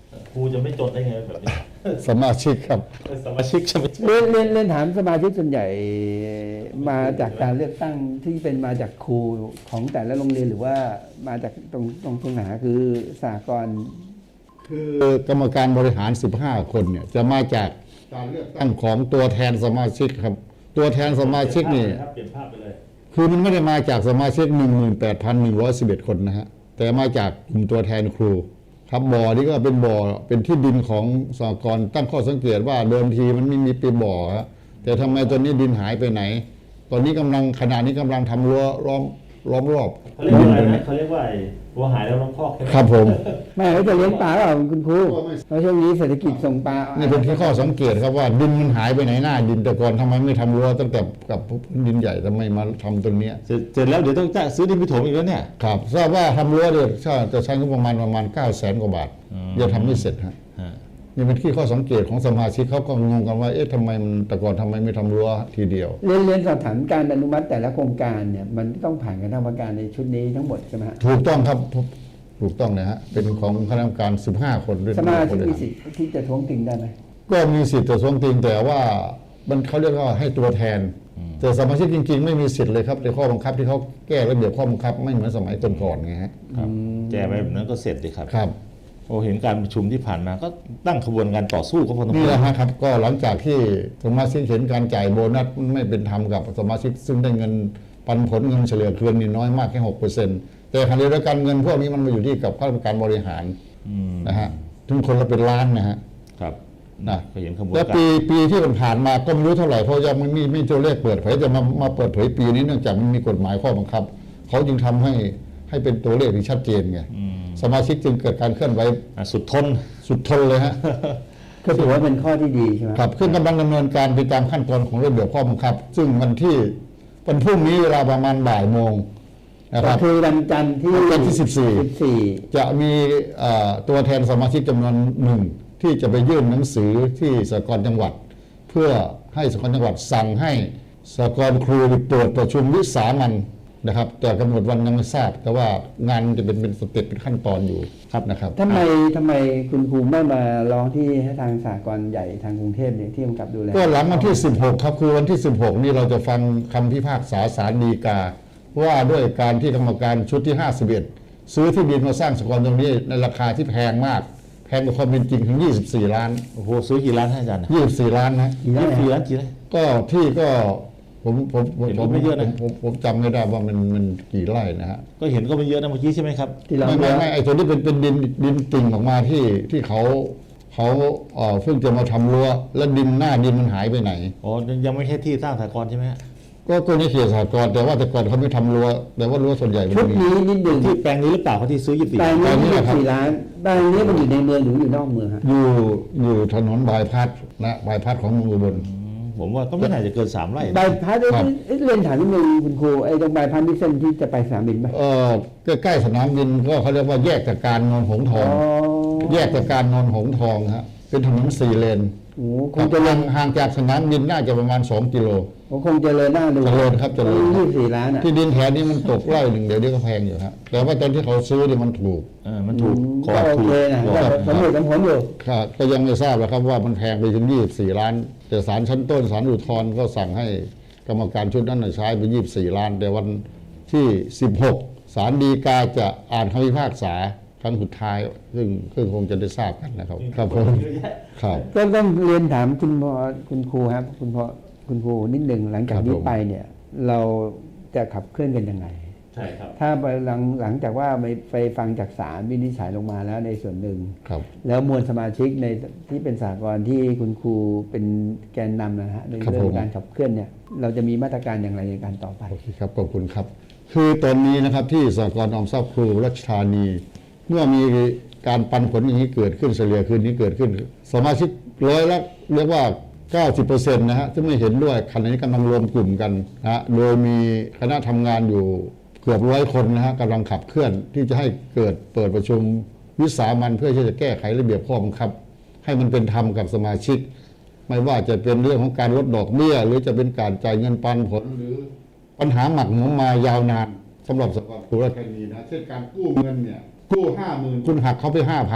Speaker 1: ครูจะไม่จดได้ไงแบบนี้
Speaker 3: สมาชิกครับ
Speaker 1: สมาชิกใช่ไหม
Speaker 2: เรียนเรียนเรียนถามสมาชิกส่วนใหญ่มาจากการเลือกตั้งที่เป็นมาจากครูของแต่ละโรงเรียนหรือว่ามาจากตรงตรงตรงไหนคือสากล
Speaker 3: คือกรรมการบริหาร สิบห้า คนเนี่ยจะมาจากการเลือกตั้งของตัวแทนสมาชิกครับ ตัวแทนสมาชิกนี่
Speaker 1: เปลี่ยนภาพไปเลย
Speaker 3: คือมันไม่ได้มาจากสมาชิก หนึ่งหมื่นแปดพันหนึ่งร้อยสิบเอ็ด คนนะฮะแต่มาจากกลุ่มตัวแทนครูครับบ่อนี้ก็เป็นบ่อเป็นที่ดินของสหกรณ์ตั้งข้อสังเกตว่าเดิมทีมันไม่มีเป็นบ่อฮะแต่ทำไมตอนนี้ดินหายไปไหน ตอนนี้กำลังขณะนี้กำลังทำรั้วล้อมล้อมรอบ
Speaker 1: เขาเรียกว่าอะไรนะเขาเรียกว่าไอ้วัวหายแล้วล้อมคอกใช่ไหม
Speaker 3: ครับผม
Speaker 2: ไม่เขาจะเลี้ยงปลาเปล่าคุณครูเพราะช่วงนี้เศรษฐกิจส่งปลา
Speaker 3: นี่เป็นที่ข้อสังเกตครับว่าดินมันหายไปไหนหน้าดินแต่ก่อนทำไมไม่ทำรั้วตั้งแต่กับพื้นดินใหญ่ทำไมมาทำตรงเนี้ย
Speaker 4: เสร็จเสร็จแล้วเดี๋ยวต้องจ้างซื้อดินไปถมอีกแล้วเนี่ย
Speaker 3: ครับทราบว่าทำรั้วเนี่ยจะใช้งบประมาณประมาณเก้าแสนกว่าบาท
Speaker 4: อืม
Speaker 3: ยังทำไม่เสร็จฮะ
Speaker 4: ฮะ
Speaker 3: นี่เป็นที่ข้อสังเกตของสมาชิกเขาก็งงกันว่าเอ๊ะทำไมมันแต่ก่อนทำไมไม่ทำรั้วทีเดียว
Speaker 2: เรียนเรียนสอบถามการอนุมัติแต่ละโครงการเนี่ยมันต้องผ่านคณะกรรมการในชุดนี้ทั้งหมดใช่ไหมฮะ
Speaker 3: ถูกต้องครับถูกต้องนะฮะเป็นของคณะกรรมการ สิบห้า คนด้วย
Speaker 2: สมาชิก
Speaker 3: ด้วย
Speaker 2: มีสิทธิ์ที่จะท้วงติงได้ไหม
Speaker 3: ก็มีสิทธิ์จะทวงติงแต่ว่ามันเขาเรียกว่าให้ตัวแทน แต่สมาชิกจริงๆ ไม่มีสิทธิ์เลยครับในข้อบังคับที่เขาแก้ระเบียบข้อบังคับไม่เหมือนสมัยก่อนๆไงฮะ
Speaker 4: ครับแก้ไปแบบนั้นก็เสร็จดีครับ
Speaker 3: ครับ
Speaker 4: โอ้เห็นการประชุมที่ผ่านมาก็ตั้งขบวนการต่อสู้ก็พอสมค
Speaker 3: นี่
Speaker 4: ว
Speaker 3: แห
Speaker 4: ร
Speaker 3: ละฮะครับก็หลังจากที่สมาชิกเห็นการจ่ายโบนัสไม่เป็นธรรมกับสมาชิกซึ่งได้เงินปันผลเงินเฉลี่ยคืนนี่น้อยมากแค่หกเปอร์เซ็นต์แต่ขณะเดียวกันเงินพวกนี้มันมาอยู่ที่กับข้าราชการบริหาร
Speaker 4: อืม
Speaker 3: นะฮะถึงคนละเป็นล้านนะฮะ
Speaker 4: ครับ
Speaker 3: นะ
Speaker 4: ก็เห็นขบวน
Speaker 3: แต่
Speaker 4: การ
Speaker 3: ปีปีที่มันผ่านมาก็ไม่รู้เท่าไหร่เพราะยังไม่มีไม่ตัวเลขเปิดเผยจะมามาเปิดเผยปีนี้เนื่องจากมันมีกฎหมายข้อบังคับเขาจึงทำให้ให้เป็นตัวเลขที่ชัดเจนไง
Speaker 4: อืม
Speaker 3: สมาชิกจึงเกิดการเคลื่อนไหว
Speaker 4: อ่ะสุดทน
Speaker 3: สุดทนเลยฮะ
Speaker 2: ก็ถือว่าเป็นข้อที่ดีใช่ไหม
Speaker 3: ครับขึ้นกำลังดำเนินการไปตามขั้นตอนของระเบียบข้อบังคับ ซึ่งวันที่วันพรุ่งนี้เวลาประมาณบ่ายโมงนะค
Speaker 2: ก็
Speaker 3: รับ
Speaker 2: คือวันจันทร์ที่
Speaker 3: วันที่สิบสี่
Speaker 2: สิบสี่
Speaker 3: จะมีเอ่อตัวแทนสมาชิกจำนวนหนึ่งที่จะไปยื่นหนังสือที่สหกรณ์จังหวัด เพื่อให้สหกรณ์จังหวัดสั่งให้สหกรณ์ครูเปิดประชุมวิสามัญนะครับ แต่กำหนดวันยังไม่ทราบ แต่ว่างานจะเป็นเป็นสเต็ปเป็นขั้นตอนอยู่ครับนะครับ
Speaker 2: ทำไมทำไมคุณครูไม่มาร้องที่ให้ทางสากลใหญ่ทางกรุงเทพเนี่ยที่กำกับดูแล
Speaker 3: ก็หลังวันที่ สิบหก ครับคือวันที่ สิบหก นี่เราจะฟังคำพิพากษาศาลฎีกา ว่าด้วยการที่กรรมการชุดที่ ห้าสิบเอ็ด ซื้อที่ดินมาสร้างสหกรณ์ตรงนี้ในราคาที่แพงมาก แพงกว่าความเป็นจริงถึง ยี่สิบสี่ ล้าน
Speaker 4: โอ้โหซื้อกี่ล้านให้อาจารย์
Speaker 3: ยี่สิบสี่ ล้านนะ
Speaker 2: กี่ไร่
Speaker 4: กี่
Speaker 2: ฮะ
Speaker 4: ล้านกี่ไร่
Speaker 3: ก็ที่ก็ผมผมผม
Speaker 4: เห็น
Speaker 3: ผ
Speaker 4: ว่ามไม่เยอะนะ
Speaker 3: ผมผมผมจำไม่ได้ว่ามันมันกี่ไร่นะฮะ
Speaker 4: ก็เห็นก็ไม่เยอะนะเมื่อกี้ใช่ไหมครับ
Speaker 2: ที่เรา
Speaker 3: ไม่ไม่ไม่ไอ้ตัวนี้เป็นเป็นดินดินติ่งออกมาที่ที่เขาเขาเอ่อเพิ่งจะมาทำรั้วแล้วดินหน้าดินมันหายไปไหน
Speaker 4: อ๋อยังไม่ใช่ที่สร้างสหกรณ์ใช่ไหมฮะ
Speaker 3: ก็ก็ในเขตสหกรณ์แต่ว่าแต่ก่อนเขาไม่ทำรั้วแต่ว่ารั้วส่วนใหญ่มัน
Speaker 2: ชุด
Speaker 3: มี
Speaker 2: นี้นิดหนึ่ง
Speaker 4: ที่แปลงนี้หรือเปล่าเขาที่ซื้อยี่สิบสี่
Speaker 2: แปลง
Speaker 3: แปล
Speaker 2: นี้
Speaker 3: งนี้
Speaker 2: ยี่
Speaker 3: แหละครับ
Speaker 2: สี่ล้านแปลงนี้มันอยู่ในเมืองหรืออยู่นอกเมืองฮะ
Speaker 3: อยู่อยู่ถนนบายพัดนะบายพัดของเมืองอุบล
Speaker 4: ผมว่าก็ไม่น่าจะเกินสามไร่
Speaker 2: ใบพัด
Speaker 3: ครับ
Speaker 2: เอ้ยเรียนถามนิดนึงคุณครูไอ้ตรงใบพัดนี่เส้นที่จะไปสนามบินไหม
Speaker 3: เออใกล้ๆสนามบินก็เขาเรียกว่าแยกจากการนนหงส์ท
Speaker 2: อ๋
Speaker 3: อ
Speaker 2: อง
Speaker 3: แยกจากการนนหงส์ทองฮะเป็นถนนสี่เลน
Speaker 2: โอ้โหค
Speaker 3: ครั
Speaker 2: ง
Speaker 3: บ
Speaker 2: จะล
Speaker 3: ห่าง งห่างจากสนามบินน่าจะประมาณสองกิโล
Speaker 2: คงจะเลยหน้าดู
Speaker 3: เจริญครับเจริญครับ
Speaker 2: ยี่สิบสี่ล้านอ่ะ
Speaker 3: ที่ดินแถวนี้มันตกไร่หนึ่งเดี๋ยวนี้ก็แพงอยู่ครับแต่ว่าตอนที่เขาซื้อเนี่ยมันถูก
Speaker 4: เออมันถูก
Speaker 2: อืม
Speaker 4: ก่อ
Speaker 2: ก็โอ
Speaker 4: ถูก
Speaker 2: เคนะ
Speaker 4: ก่
Speaker 2: ก็
Speaker 4: อ
Speaker 2: สมเหตุสมผลอยู่
Speaker 3: ครับก็ยังไม่ทราบแล้วครับว่ามันแพงไปถึงยี่สิบสี่ล้าน แต่ศาลชั้นต้นศาลอุทธรณ์ก็สั่งให้กรรมการชุดนั้นนะใช้ไปยี่สิบสี่ล้าน แต่วันที่สิบหกศาลฎีกาจะอ่านคำพิพากษาครั้งสุดท้าย ซึ่งซึ่งคงจะได้ทราบกันนะครับครับผมครับ
Speaker 2: ก็ต้องเรียนถามคุณพ่อคุณครูครับคุณพ่อคุณครูนิดหนึ่งหลังจาก
Speaker 3: ครับ
Speaker 2: นี้
Speaker 3: ผม
Speaker 2: ไปเนี่ย เราจะขับเคลื่อนกันยังไง
Speaker 1: ใช่ครับ
Speaker 2: ถ้าไปหลังหลังจากว่าไปไปฟังจากศาลวินิจฉัยลงมาแล้วในส่วนหนึ่ง
Speaker 3: ครับ
Speaker 2: แล้วมวลสมาชิกในที่เป็นสากลที่คุณครูเป็นแกนนำนะฮะใน
Speaker 3: ครับ
Speaker 2: เรื่อ
Speaker 3: ผ
Speaker 2: ง
Speaker 3: ม
Speaker 2: การขับเคลื่อนเนี่ยเราจะมีมาตรการอย่างไรในการต่อไป
Speaker 3: โอเคครับขอบคุณครับ คือตอนนี้นะครับที่สหกรณ์ออมทรัพย์ครูรัชธานี เมื่อมีการปันผลอย่างนี้เกิดขึ้นเฉลี่ยคืนนี้เกิดขึ้น สมาชิกร้อยละเรียกว่า เก้าสิบเปอร์เซ็นต์ นะฮะที่ไม่เห็นด้วยขณะนี้กำลังรวมกลุ่มกันนะฮะโดยมีคณะทำงานอยู่เกือบร้อยคนนะฮะกำลังขับเคลื่อนที่จะให้เกิดเปิดประชุมวิสามัญเพื่อที่จะแก้ไขระเบียบข้อบังคับ ให้มันเป็นธรรมกับสมาชิก ไม่ว่าจะเป็นเรื่องของการลดดอกเบี้ยหรือจะเป็นการจ่ายเงินปันผลหรือปัญหาหมักหมมมายาวนานสำหรับสหกรณ์ครูราชธานีนะเช่นการกู้เงินเนี่ยกู้ห้าหมื่นคุณหักเขาไปห้าพัน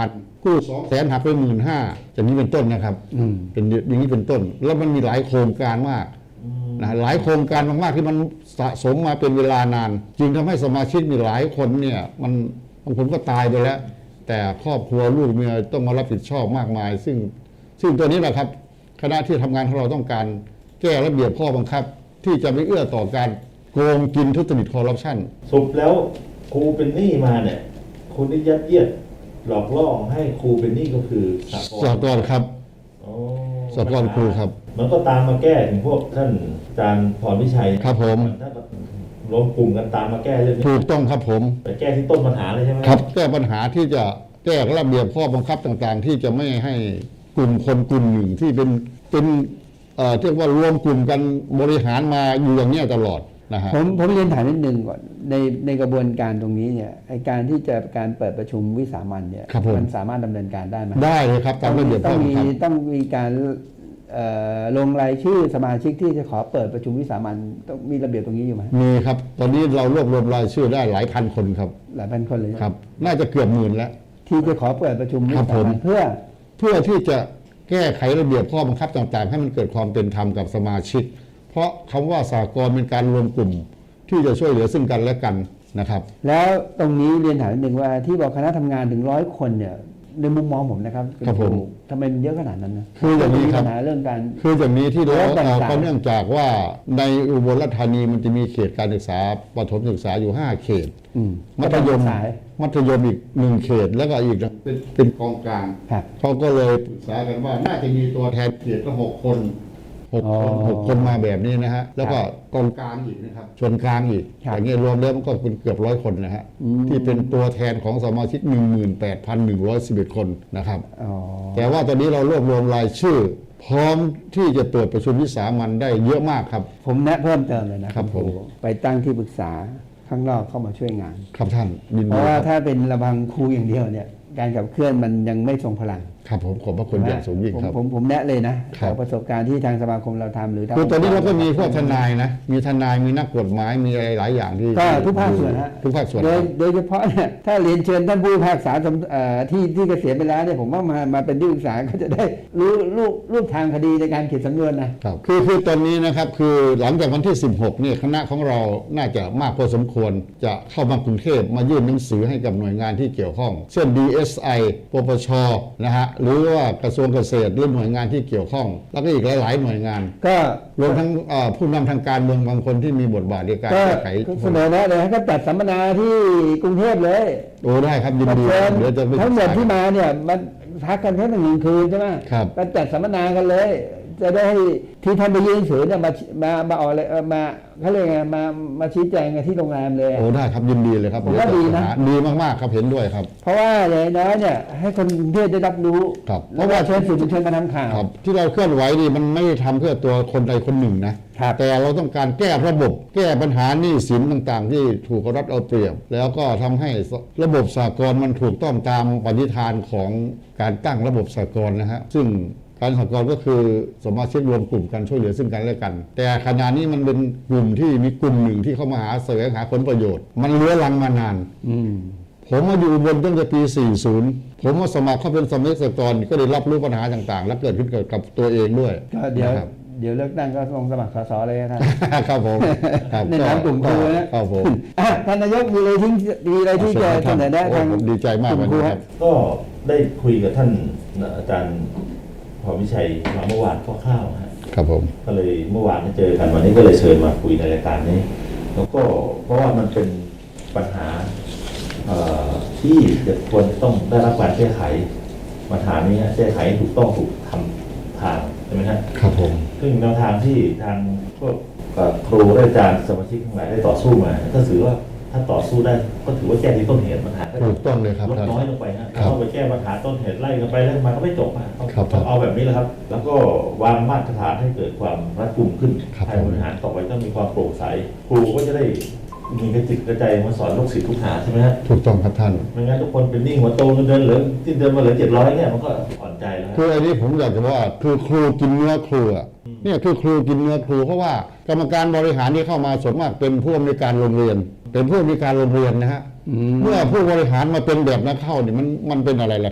Speaker 3: กู้สองแสนหักไปหมื่นห้าอย่างนี้เป็นต้นนะครับ
Speaker 2: อืม
Speaker 3: เป็นอย่างนี้เป็นต้น แล้วมันมีหลายโครงการมากนะหลายโครงการมากๆที่มันสะสมมาเป็นเวลานาน จึงทำให้สมาชิกมีหลายคนเนี่ยมันบางคนก็ตายไปแล้ว แต่ครอบครัวลูกเมียต้องมารับผิดชอบมากมาย ซึ่งซึ่งตัวนี้แหละครับคณะที่ทำงานของเราต้องการแก้ระเบียบข้อบังคับ ที่จะไม่เอื้อต่อการโกงกินทุจริตคอร์รัปชัน
Speaker 1: สรุปแล้วครูเป็นหนี้มาเนี่ยคุณได้ยัดเยียดหลอกล่อให้ครูเป็นหนี้ก็คือสากล
Speaker 3: สากลครับ
Speaker 1: อ๋อ
Speaker 3: สากลครูครับ
Speaker 1: มันก็ตามมาแก้ถึงพวกท่านอาจารย์พรพิชัย
Speaker 3: ครับผม
Speaker 1: ท่านก็รวมกลุ่มกันตามมาแก้เรื่องนี้
Speaker 3: ถูกต้องครับผม
Speaker 1: ไปแก้ที่ต้นปัญหาเลยใช่ไหม
Speaker 3: ครับแก้ปัญหาที่จะแก้ระเบียบข้อบังคับต่างๆ ที่จะไม่ให้กลุ่มคนกลุ่มหนึ่งที่เป็นเป็นเอ่อเรียกว่ารวมกลุ่มกันบริหารมาอยู่อย่างเนี้ยตลอดนะฮะ
Speaker 2: ผมผมเรียนถามนิดนึงก่อนในในกระบวนการตรงนี้เนี่ยไอการที่จะการเปิดประชุมวิสามัญเนี่ย
Speaker 3: ครับผม
Speaker 2: มันสามารถดำเนินการได้ไหม
Speaker 3: ได้เลยครับตามระเบียบ
Speaker 2: ต้
Speaker 3: ข้
Speaker 2: อ
Speaker 3: อง บัง
Speaker 2: มี
Speaker 3: คับ
Speaker 2: ต้องมีการเอ่อลงรายชื่อสมาชิกที่จะขอเปิดประชุมวิสามัญต้องมีระเบียบตรงนี้อยู่ไหม
Speaker 3: มีครับ ตอนนี้เรารวบรวมรายชื่อได้หลายพันคนครับ
Speaker 2: หลายพันคนเลย
Speaker 3: ครับ น่าจะเกือบหมื่นแล้ว
Speaker 2: ที่จะขอเปิดประชุมวิ
Speaker 3: ครับ
Speaker 2: สา
Speaker 3: ผม
Speaker 2: มัญเพื่อ
Speaker 3: เพื่อที่จะแก้ไขระเบียบข้อบังคับต่างๆ ให้มันเกิดความเป็นธรรมกับสมาชิก เพราะคำว่าสากลเป็นการรวมกลุ่ม ที่จะช่วยเหลือซึ่งกันและกันนะครับ
Speaker 2: แล้วตรงนี้เรียนถามนิดนึงว่าที่บอกคณะทำงานถึงร้อยคนเนี่ยในมุมมองผมนะครับณ
Speaker 3: ครับผม
Speaker 2: ทำไมมันเยอะขนาดนั้นนะ
Speaker 3: คืออย่างนี้ครับ
Speaker 2: มีปัญหาเรื่องการ
Speaker 3: คืออย่างนี้ที่เรา
Speaker 2: แล้วต่างๆ
Speaker 3: เอาก็เนื่องจากว่าในอุบลราชธานีมันจะมีเขตการศึกษาประถมศึกษาอยู่ห้าเขต
Speaker 2: อืม
Speaker 3: มัธยม
Speaker 2: สาย
Speaker 3: มัธยมอีกหนึ่งเขตแล้วก็อีกเป็นเป็นกองกลาง
Speaker 2: ครับ
Speaker 3: เขาก็เลยปรึกษากันว่าน่าจะมีตัวแทนเขตละหกคนหก
Speaker 2: อ๋อ
Speaker 3: คนหกคนมาแบบนี้นะฮะแล้วก็กองกลางอีกนะครับส่วนกลางอีก
Speaker 2: ครับ
Speaker 3: อย่างเงี้ยรวมแล้วมันก็เป็นเกือบร้อยคนนะฮะ
Speaker 2: อืม
Speaker 3: ที่เป็นตัวแทนของสมาชิก หนึ่งหมื่นแปดพันหนึ่งร้อยสิบเอ็ด คนนะครับ
Speaker 2: อ๋อ
Speaker 3: แต่ว่าตอนนี้เรารวบรวมรายชื่อ พร้อมที่จะเปิดประชุมวิสามัญได้เยอะมากครับ
Speaker 2: ผมแนะเพิ่มเติมเลยนะครับ
Speaker 3: ผม
Speaker 2: ไปตั้งที่ปรึกษาข้างนอกเข้ามาช่วยงาน
Speaker 3: ครับท่านยิน
Speaker 2: เพ
Speaker 3: ดี
Speaker 2: ราะว่า
Speaker 3: ครับ
Speaker 2: ถ้าเป็นระบังครูอย่างเดียวเนี่ยการขับเคลื่อนมันยังไม่ทรงพลัง
Speaker 3: ครับผมขอบพระคุณอย่างสูงยิ่ง
Speaker 2: ผม
Speaker 3: ครับ
Speaker 2: ผมผมแนะเลยนะครับ จากประสบการณ์ที่ทางสมาคมเราทำหรือทาง
Speaker 3: คือตอนนี้เราก็มีพวกทนายนะ มีทนาย มีนักกฎหมาย มีอะไรหลายอย่างที่
Speaker 2: ก็ทุกภาคส่วนฮะ
Speaker 3: ทุกภาคส่วน
Speaker 2: โด
Speaker 3: ค
Speaker 2: ย
Speaker 3: รับ
Speaker 2: โดยเฉพาะเนี่ยถ้าเรียนเชิญท่านผู้พิพากษาสำเอ่อที่ที่เกษียณไปแล้วเนี่ยผมว่ามามาเป็นที่ปรึกษาก็จะได้รู้รูปรูปทางคดีในการเขียนสำนวนนะครับ
Speaker 3: คือคือตอนนี้นะครับคือหลังจากวันที่ สิบหกเนี่ยคณะของเราน่าจะมากพอสมควรจะเข้ามากรุงเทพมายื่นหนังสือให้กับหน่วยงานที่เกี่ยวข้อง เช่น ดี เอส ไอ ปปช นะฮะหรือว่ากระทรวงเกษตรหรือหน่วยงานที่เกี่ยวข้อง แล้วก็อีกหลายๆหน่วยงาน
Speaker 2: ก็
Speaker 3: รวมทั้งเอ่อผู้นำทางการเมืองบางคนที่มีบทบาทในการ
Speaker 2: ก็
Speaker 3: แก้ไข
Speaker 2: เสนอแนะเลยให้ก็จัดสัมมนาที่กรุงเทพเลย
Speaker 3: โอ้ได้ครับยินดี
Speaker 2: เชิญ
Speaker 3: เดี๋ยวจะไป
Speaker 2: ทั้งหมด
Speaker 3: ศึกษา
Speaker 2: ที่มาเนี่ยมันพักกันแค่หนึ่งคืนใช่ไหม
Speaker 3: ครับ
Speaker 2: ก็จัดสัมมนากันเลย จะได้ให้ที่ท่านไปยื่นหนังสือเนี่ยมามามาออกเลยเอ่อมาเขาเรียกไงมามาชี้แจงกันที่โรงแรมเลย
Speaker 3: โอ้ได้ครับยินดีเลยครับ
Speaker 2: ผมว่าดีนะ
Speaker 3: เดี๋ยวจหาดีมากๆครับเห็นด้วยครับ
Speaker 2: เพราะว่าอย่างน้อยเนี่ยให้คนกรุงเทพได้รับรู้
Speaker 3: ครับ
Speaker 2: เพราะว่าเชิญสื่อมวลชนมาทำข่าว
Speaker 3: ครับที่เราเคลื่อนไหวนี่มันไม่ได้ทำเพื่อตัวคนใดคนหนึ่งนะครับ แต่เราต้องการแก้ระบบ แก้ปัญหาหนี้สินต่างๆ ที่ถูกรัฐเอาเปรียบ แล้วก็ทำให้ระบบสากลมันถูกต้องตามปณิธานของการตั้งระบบสากลนะฮะซึ่งการสากลก็คือสมาชิกรวมกลุ่มกันช่วยเหลือซึ่งกันและกัน แต่ขณะนี้มันเป็นกลุ่มที่มีกลุ่มหนึ่งที่เข้ามาหาแสวงหาผลประโยชน์ มันเลื้อรังมานาน
Speaker 2: อืม
Speaker 3: ผมมาอยู่อุบนตั้งแต่ปี สี่สิบ ผมมาสมัครเข้าเป็นสมาชิกสากลก็ได้รับรู้ปัญหาต่างๆ และเกิดขึ้นกับตัวเองด้วย
Speaker 2: ก็เดี๋ยว
Speaker 3: นะครับ
Speaker 2: เดี๋ยวเลือกตั้งก็ลงสมัครสสเลยนะท่าน
Speaker 3: ครับผมครับ
Speaker 2: ในนามกลุ่มครูนะครับ
Speaker 3: ผม
Speaker 2: อ่ะท่านนายกมีอะไรที่มีอะไรที่จะเสนอแนะ
Speaker 3: โอ้
Speaker 2: ทาง
Speaker 3: ผมดีใจมาก
Speaker 2: ก
Speaker 3: วั
Speaker 2: ลุ่
Speaker 3: น
Speaker 2: มครู
Speaker 3: นี้
Speaker 2: ค
Speaker 3: ค
Speaker 2: รั
Speaker 3: รับ บ
Speaker 1: ก็ได้คุยกับท่านอาจารย์พรพิชัยมาเมื่อวานคร่าวๆฮะ
Speaker 3: ครับผม
Speaker 1: ก็เลยเมื่อวานได้เจอกันวันนี้ก็เลยเชิญมาคุยในรายการนี้ แล้วก็เพราะว่ามันเป็นปัญหาเอ่อที่จะควรจะต้องได้รับการแก้ไขปัญหานี้แก้ไขให้ถูกต้องถูกทำทางใช่ไหมฮะ
Speaker 3: ครับผม
Speaker 1: ซึ่งแนวทางที่ทางพวกเอ่อครูและอาจารย์สมาชิกทั้งหลายได้ต่อสู้มาก็ถือว่าถ้าต่อสู้ได้ก็ถือว่าแก้ที่ต้นเหตุปัญหาก็จะ
Speaker 3: ถูกต้องเลยครับ
Speaker 1: ลด
Speaker 3: ท่าน
Speaker 1: น้อยลงไปฮะ
Speaker 3: ครับ
Speaker 1: เข้าไปแก้ปัญหาต้นเหตุไล่กันไปไล่กันมาก็ไม่จบฮะต้อง
Speaker 3: ครับ
Speaker 1: ต้องเอาแบบนี้แหละครับ แล้วก็วางมาตรฐานให้เกิดความรัดกุมขึ้น
Speaker 3: ครับ
Speaker 1: การบริหารต่อไปต้องมีความโปร่งใสครูก็จะได้มีกระจิตกระใจมาสอนลูกศิษย์ลูกหาใช่ไหมฮะ
Speaker 3: ถูกต้องครับท่าน
Speaker 1: ไม่งั้นทุกคนเป็นหนี้หัวโตเงินเดือนเหลือที่เดือนมาเหลือเจ็ดร้อยเนี่ยมันก็อ่อนใจแล้วฮะ
Speaker 3: คืออันนี้ผมอยากจะว่าคือครูกินเนื้อครูอะเนี่ยคือครูกินเนื้อครูเพราะว่ากรรมการบริหารที่เข้ามาส่วนมากเป็นผู้อำนวยการโรงเรียน เป็นผู้อำนวยการโรงเรียนนะฮะ
Speaker 2: อืม
Speaker 3: เมื่อผู้บริหารมาเป็นแบบนักเข้าเนี่ยมันมันเป็นอะไรล่ะครับ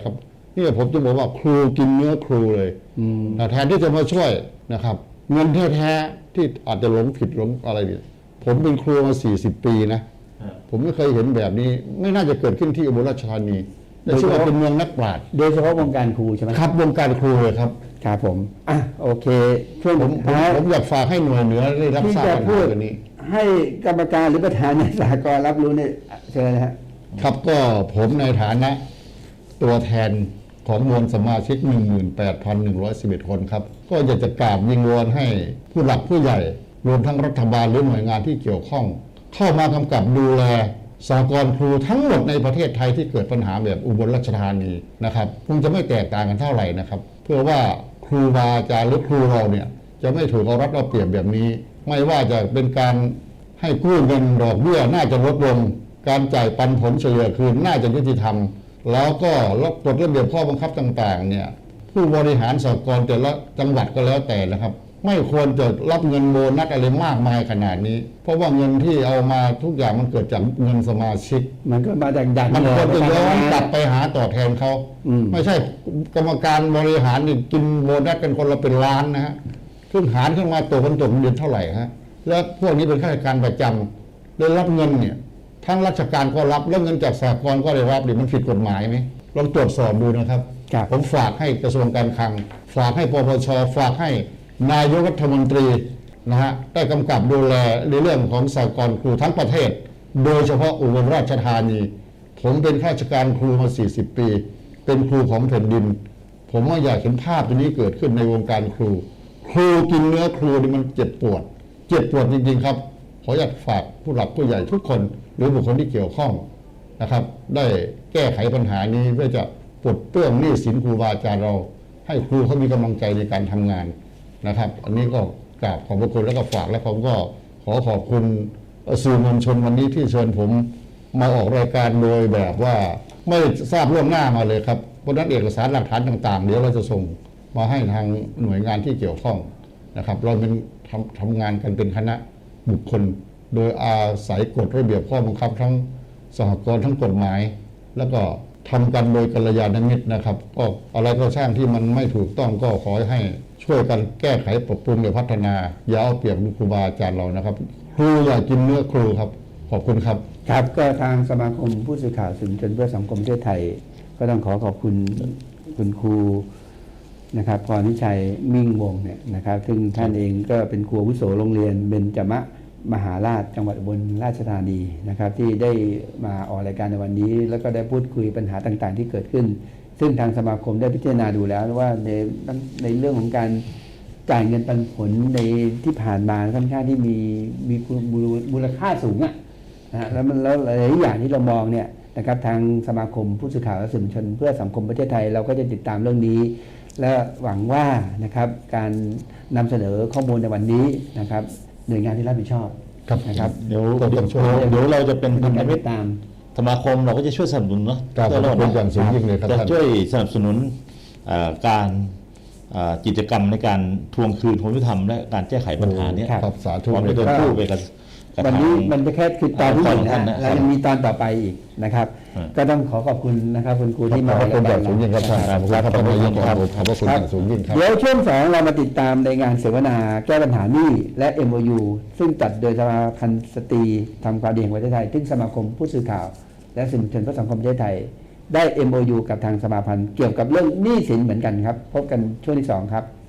Speaker 3: นี่ผมจะบอกว่าครูกินเนื้อครูเลย
Speaker 2: อืม
Speaker 3: นะแทนที่จะมาช่วยนะครับ เงินแท้ๆที่อาจจะหลงผิดหลงอะไรเนี่ยผมเป็นครูมาสี่สิบปีนะ ผมไม่เคยเห็นแบบนี้ ไม่น่าจะเกิดขึ้นที่อุบลราชธานีแต่ชื่อว่าเป็นเมืองนักปราชญ์
Speaker 2: โดยเฉพาะวงการครูใช่ไหม
Speaker 3: ครับวงการครูเลยครับ
Speaker 2: ครับผมอ่ะโอเคช่วง
Speaker 3: ผมผม
Speaker 2: ท้าย
Speaker 3: ผมอยากฝากให้หน่วยเหนือได้รับ
Speaker 2: ที่
Speaker 3: ทราบ
Speaker 2: จะ
Speaker 3: ปัญ
Speaker 2: พู
Speaker 3: หา
Speaker 2: ด
Speaker 3: ตัวนี้
Speaker 2: ให้กรรมการหรือประธานในสหกรณ์รับรู้เนี่ยเชิญนะฮะ
Speaker 3: ครับก็ผมในฐานะตัวแทนของมวลสมาชิก หนึ่งหมื่นแปดพันหนึ่งร้อยสิบเอ็ด คนครับ ก็อยากจะกราบวิงวอนให้ผู้หลักผู้ใหญ่ รวมทั้งรัฐบาลหรือหน่วยงานที่เกี่ยวข้อง เข้ามากำกับดูแลสหกรณ์ครูทั้งหมดในประเทศไทยที่เกิดปัญหาแบบอุบลราชธานีนะครับคงจะไม่แตกต่างกันเท่าไหร่นะครับ เพื่อว่าครูบาอาจารย์หรือครูเราเนี่ยจะไม่ถูกเอารัดเอาเปรียบแบบนี้ ไม่ว่าจะเป็นการให้กู้เงินดอกเบี้ยน่าจะลดลง การจ่ายปันผลเฉลี่ยคืนน่าจะยุติธรรม แล้วก็กฎระเบียบข้อบังคับต่างๆเนี่ยผู้บริหารสหกรณ์แต่ละจังหวัดก็แล้วแต่นะครับ ไม่ควรจะรับเงินโบนัสอะไรมากมายขนาดนี้ เพราะว่าเงินที่เอามาทุกอย่างมันเกิดจากเงินสมาชิก
Speaker 2: มันก็มาจากดัน
Speaker 3: มันควรจะย้อนกลับ
Speaker 2: ไป
Speaker 3: ไปหาตอบแทนเขา
Speaker 2: อืม
Speaker 3: ไม่ใช่กรรมการบริหารนี่กินโบนัสกันคนละเป็นล้านนะฮะขึ้นหารขึ้นมาตัวคนตกเดือนเท่าไหร่ฮะแล้วพวกนี้เป็นข้าราชการประจำได้รับเงินเนี่ยทั้งราชการก็รับแล้วเงินจากสหกรณ์ก็ได้รับดิมันผิดกฎหมายไหมลองตรวจสอบดูนะครับ
Speaker 2: ครับ
Speaker 3: ผมฝากให้กระทรวงการคลัง ฝากให้ปปชฝากให้นายกรัฐมนตรีนะฮะได้กำกับดูแลในเรื่องของสหกรณ์ครูทั้งประเทศ โดยเฉพาะอุบลราชธานี ผมเป็นข้าราชการครูมา สี่สิบ ปี เป็นครูของแผ่นดิน ผมว่าอยากเห็นภาพตัวนี้เกิดขึ้นในวงการครู ครูกินเนื้อครูนี่มันเจ็บปวด เจ็บปวดจริงๆครับ ขออยากฝากผู้หลักผู้ใหญ่ทุกคน หรือบุคคลที่เกี่ยวข้องนะครับ ได้แก้ไขปัญหานี้เพื่อจะปลดเปลื้องหนี้สินครูบาอาจารย์เรา ให้ครูเขามีกำลังใจในการทำงานนะครับ อันนี้ก็กราบขอบพระคุณแล้วก็ฝากและผมก็ขอขอบคุณสื่อมวลชนวันนี้ที่เชิญผมมาออกรายการโดยแบบว่าไม่ทราบล่วงหน้ามาเลยครับเพราะฉะนั้นเอกสารหลักฐานต่างๆ เดี๋ยวเราจะส่งมาให้ทางหน่วยงานที่เกี่ยวข้องนะครับ เราเป็นทำทำงานกันเป็นคณะบุคคล โดยอาศัยกฎระเบียบข้อบังคับทั้งสหกรณ์ทั้งกฎหมาย แล้วก็ทำกันโดยกัลยาณมิตรนะครับ ก็อะไรก็ช่างที่มันไม่ถูกต้องก็ขอให้ช่วยกันแก้ไขปรับปรุงและพัฒนาอย่าเอาเปรียบครูบาอาจารย์เรานะครับ ครูอย่ากินเนื้อครูครับขอบคุณครับ
Speaker 2: ครับก็ทางสมาคมผู้สื่อข่าวสื่อมวลชนเพื่อสังคมประเทศไทย ก็ต้องขอขอบคุณคุณครูนะครับพรนิชัยมิ่งวงศ์เนี่ยนะครับซึ่งท่านเองก็เป็นครูอาวุโสโรงเรียนเบญจมะมหาราชจังหวัดอุบลราชธานีนะครับ ที่ได้มาออกรายการในวันนี้ แล้วก็ได้พูดคุยปัญหาต่างๆ ที่เกิดขึ้น ซึ่งทางสมาคมได้พิจารณาดูแล้วว่าในในเรื่องของการจ่ายเงินปันผลในที่ผ่านมาค่อนข้างที่มีมีมูลค่าสูงอะนะฮะแล้วมันแล้วหลายอย่างที่เรามองเนี่ยนะครับทางสมาคมผู้สื่อข่าวและสื่อมวลชนเพื่อสังคมประเทศไทยเราก็จะติดตามเรื่องนี้ และหวังว่านะครับการนำเสนอข้อมูลในวันนี้นะครับหน่วยงานที่รับผิดชอบ
Speaker 3: ครับ
Speaker 2: นะครับ
Speaker 4: เดี๋ยว
Speaker 3: ก็ต้องช่วย
Speaker 4: เดี๋ยวเราจะเป็น
Speaker 2: เป็
Speaker 4: พั
Speaker 2: น
Speaker 4: นธ
Speaker 2: การ
Speaker 4: มิ
Speaker 2: ติ
Speaker 4: ต
Speaker 2: ด
Speaker 4: ร
Speaker 2: ตาม
Speaker 4: สมาคมเราก็จะช่วยสนับสนุนเนาะ
Speaker 3: ครับขอบคุณอย่างสูงยิ่งเลยครับ
Speaker 4: จะ
Speaker 3: ท่าน
Speaker 4: ช่วยสนับสนุนเอ่อการเอ่อกิจกรรมในการทวงคืนความยุติธรรมและการแก้ไขปัญหาเนี้ย
Speaker 3: ครับสาธุ
Speaker 4: พร้อมจะเดินคู่ไปกับกับ
Speaker 2: วัน
Speaker 4: ทาง
Speaker 2: นี้มันเป็นแค่คือตอนที่หนึ่ง
Speaker 4: ท่าน
Speaker 2: นะ
Speaker 4: นะ
Speaker 2: แล้วยังมีตอนต่อไปอีกนะครับ
Speaker 4: อืม
Speaker 2: ก็ต้องขอขอบคุณนะครับคุณครูที่
Speaker 3: ข
Speaker 2: มา
Speaker 3: อบพระคุณอย่างสูงยิ่งครับท่าน
Speaker 2: นะ
Speaker 3: ขอบคุณครับท่านนายกครับขอบพระคุณอย่างสูงยิ่งครับ
Speaker 2: เดี๋ยวช่วงสองเรามาติดตามในงานเสวนาแก้ปัญหาหนี้และ เอ็ม โอ ยู ซึ่งจัดโดยสมาพันธ์สตรีทำความดีแห่งประเทศไทยซึ่งสมาคมผู้สื่อข่าว และสื่อมวลชนเพื่อสังคมประเทศไทย ได้ เอ็ม โอ ยู กับทางสมาพันธ์เกี่ยวกับเรื่องหนี้สินเหมือนกันครับ พบกันช่วงที่สองครับ